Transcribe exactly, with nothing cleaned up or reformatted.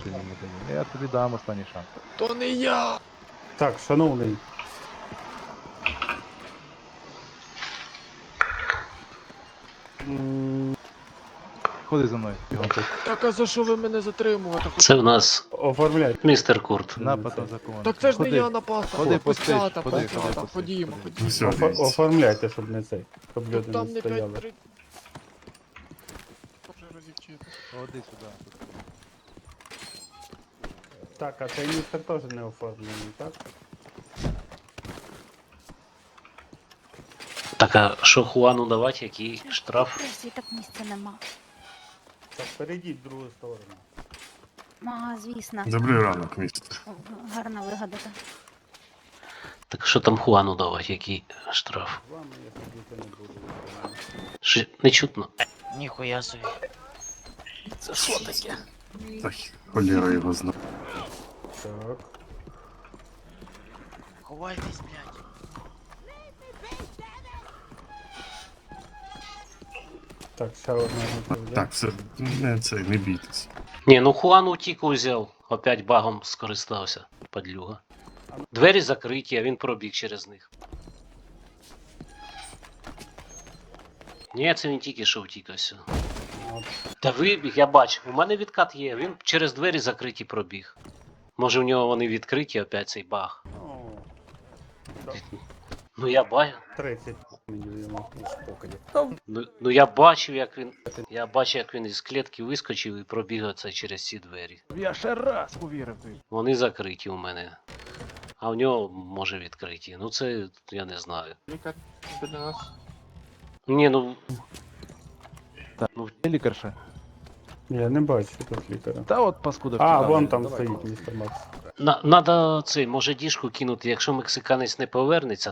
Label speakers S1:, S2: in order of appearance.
S1: ти мені даєш. Я тобі дам останній шанс.
S2: То не я!
S3: Так, шановний. М,
S1: Ходи за мною, бігом.
S2: Так а за що ви мене затримувати?
S4: Це в нас
S3: Оформляй.
S4: містер Курт.
S1: Напад на закон.
S2: Так це ж не
S1: Ходи.
S2: я напав.
S1: Ходи, постич,
S2: Пустята,
S1: ходи,
S2: пустята,
S1: ходи, постич,
S2: ходімо,
S1: ходи.
S2: ходімо.
S5: Все,
S3: Офо-
S5: дивіться.
S3: Оформляйте, щоб не цей. Щоб
S2: Тут
S3: люди
S2: там
S3: не
S2: не
S3: стояли.
S2: п'ять три. Вже розівчити.
S1: Ходи сюди.
S3: Так, а цей містер теж не оформлений, так?
S4: Так, а що Хуану давати, який штраф?
S6: Просто так місця нема.
S3: Так, перейдіть в другу сторону.
S6: Ага, звісно.
S5: Добрий ранок, містер.
S6: Гарно вигадати.
S4: Так що там Хуану давати, який штраф?
S3: З вами я ходити не буду.
S4: Що, не чутно.
S2: Ніхуя собі. Це що таке?
S5: Так, холєра його знає.
S3: Так.
S2: Ховайтесь, блядь.
S3: Так, ще одна готова.
S5: Так, все, не це, не бійтесь.
S4: Ні, ну Хуан утік узяв, опять багом скористався, падлюга. Двері закриті, а він пробіг через них. Ні, це він тільки що втік ось.
S3: От.
S4: Та вибіг, я бачив, у мене відкат є, він через двері закриті пробіг. Може в нього вони відкриті, опять цей баг.
S3: О,
S4: Ну я бачив.
S3: тридцять мені йому.
S4: Ну, ну я бачив, як він. Я бачив, як він із клітки вискочив і пробіг оце через ці двері.
S1: Я ще раз повірив тобі.
S4: Вони закриті у мене. А в нього може відкриті. Ну це я не знаю.
S2: Лікар біля нас.
S4: Ні, ну.
S1: Є лікарша?
S3: Я не бачу тут лікаря.
S1: Та от паскуда.
S3: А,
S1: втікала.
S3: вон там
S1: Давай,
S3: стоїть
S1: давай.
S3: містер Макс.
S4: На, надо цей, може діжку кинути, якщо мексиканець не повернеться,